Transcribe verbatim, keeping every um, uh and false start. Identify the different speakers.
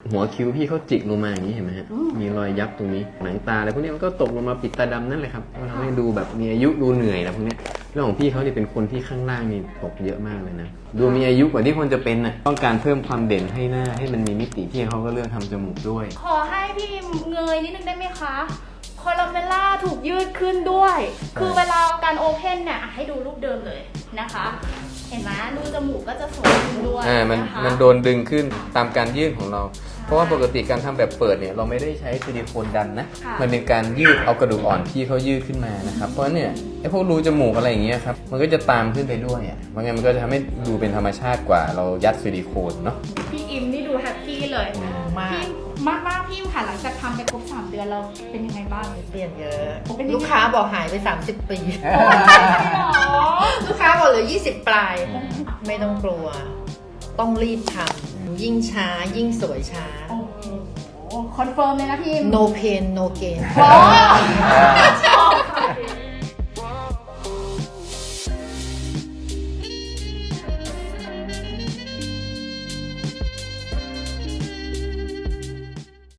Speaker 1: หัวคิ้วพี่เขาจิกลงมาอย่างนี้เห็นไหมฮะมีรอยยับตรงนี้หนังตาอะไรพวกนี้มันก็ตกลงมาปิดตาดำนั่นแหละครับก็ทำให้ดูแบบมีอายุดูเหนื่อยอะไรพวกนี้เรื่องของพี่เขาเนี่ยเป็นคนที่ข้างล่างนี่ตกเยอะมากเลยนะดูมีอายุกว่าที่ควรจะเป็นน่ะต้องการเพิ่มความเด่นให้หน้าให้มันมีมิติพี่เขาก็เลือกทำจมูกด้วย
Speaker 2: ขอให้พี่เงยนิดนึงได้ไหมคะคอลัมเบลล่าถูกยืดขึ้นด้วย คือเวลาการโอเพนเนี่ยให้ดูรูปเดิมเลยนะคะ เห็นไหมรูจมูกก็จะสวยขึ้นด้วย
Speaker 1: อ่ามัน
Speaker 2: นะคะ
Speaker 1: มันโดนดึงขึ้นตามการยืดของเรา เพราะว่าปกติการทำแบบเปิดเนี่ยเราไม่ได้ใช้ซิลิโคนดันนะมันเป็นการยืดเอากระดูกอ่อนที่เขายืดขึ้นมานะครับเพราะเนี่ยไอ้พวกรูจมูกอะไรอย่างเงี้ยครับมันก็จะตามขึ้นไปด้วยอ่ะมันงั้นมันก็จะทำให้ดูเป็นธรรมชาติกว่าเรายัดซิลิโคนเนาะ
Speaker 2: พี่อิมนี่ดูแฮปปี้เลย
Speaker 3: มาก
Speaker 2: พี่มากมากพี่ค่ะหลังจากทำไปครบสามเดือนเราเป็นยังไงบ้าง
Speaker 3: เปลี่ยนเยอะ
Speaker 2: เป็นยังไง
Speaker 3: ลูกค้าบอกหายไปสามสิบปี
Speaker 2: หรอ
Speaker 3: ลูกค้าบอกเหลือยี่สิบปลายไม่ต้องกลัวต้องรีบทำยิ่งช้ายิ่งสวยช้า
Speaker 2: โอ้โหคอนเฟิร์มเลยนะพี่
Speaker 3: no pain no gain
Speaker 2: โอ้